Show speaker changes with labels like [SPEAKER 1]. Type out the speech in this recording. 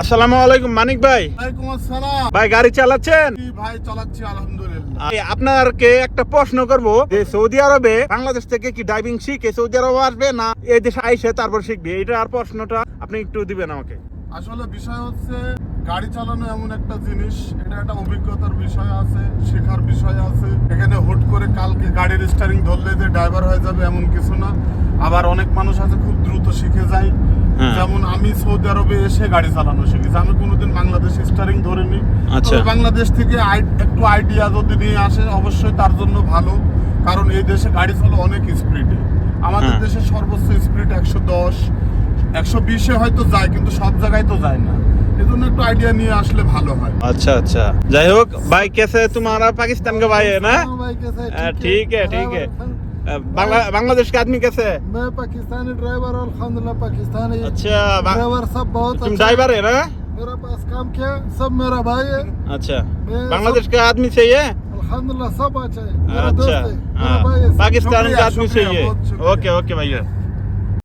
[SPEAKER 1] আসসালামু আলাইকুম মানিক ভাই।
[SPEAKER 2] ওয়ালাইকুম আসসালাম।
[SPEAKER 1] ভাই গাড়ি চালাচ্ছেন?
[SPEAKER 2] জি ভাই, চালাচ্ছি আলহামদুলিল্লাহ।
[SPEAKER 1] আপনাকে একটা প্রশ্ন করব যে সৌদি আরবে বাংলাদেশ থেকে কি ড্রাইভিং শিখে সৌদি আরবে আসবে না এই দেশে আইসে তারপর শিখবে? এটা আর প্রশ্নটা আপনি একটু দিবেন আমাকে।
[SPEAKER 2] আসলে বিষয় হচ্ছে গাড়ি চালানো এমন একটা জিনিস, এটা একটা অভিজ্ঞতার বিষয় আছে, শেখার বিষয় আছে। এখানে হুট করে কালকে গাড়ির স্টারিং ধরলে যে ড্রাইভার হয়ে যাবে এমন কিছু না। আবার অনেক মানুষ আছে খুব দ্রুত শিখে যায়। যেমন আমি সৌদি আরবে এসে গাড়ি চালানো শিখেছি, আমি কোনোদিন বাংলাদেশে স্টারিং ধরিনি।
[SPEAKER 1] আচ্ছা।
[SPEAKER 2] তবে বাংলাদেশ থেকে একটু আইডিয়া যদি নিয়ে আসে অবশ্যই তার জন্য ভালো, কারণ এই দেশে গাড়ি চলে অনেক স্পিডে। আমাদের দেশে সর্বোচ্চ স্পিড 110 120-এ হয়তো যায়, কিন্তু সব জায়গায় তো যায় না। এজন্য একটু আইডিয়া নিয়ে আসলে ভালো হয়।
[SPEAKER 1] अच्छा अच्छा, যাই হোক ভাই कैसे तुम्हारा पाकिस्तान का भाई है ना?
[SPEAKER 3] हाँ भाई, कैसे है?
[SPEAKER 1] ठीक है ठीक है। बांग्लादेश के आदमी कैसे है?
[SPEAKER 3] मैं पाकिस्तानी ड्राइवर और अल्हम्दुलिल्लाह पाकिस्तानी
[SPEAKER 1] अच्छा
[SPEAKER 3] ड्राइवर सब बहुत
[SPEAKER 1] तुम
[SPEAKER 3] अच्छा
[SPEAKER 1] ड्राइवर है ना?
[SPEAKER 3] मेरा पास काम किया, सब मेरा भाई है।
[SPEAKER 1] अच्छा,
[SPEAKER 3] मैं
[SPEAKER 1] बांग्लादेश का आदमी चाहिए?
[SPEAKER 3] अल्हम्दुलिल्लाह सब अच्छा है, मेरा
[SPEAKER 1] अच्छा
[SPEAKER 3] दोस्त है, मेरा
[SPEAKER 1] हाँ,
[SPEAKER 3] भाई है।
[SPEAKER 1] पाकिस्तान
[SPEAKER 2] शुक्रिया,
[SPEAKER 1] का आदमी
[SPEAKER 2] शुक्रिया,
[SPEAKER 1] चाहिए।
[SPEAKER 2] बहुत शुक्रिया।
[SPEAKER 1] ओके ओके भैया।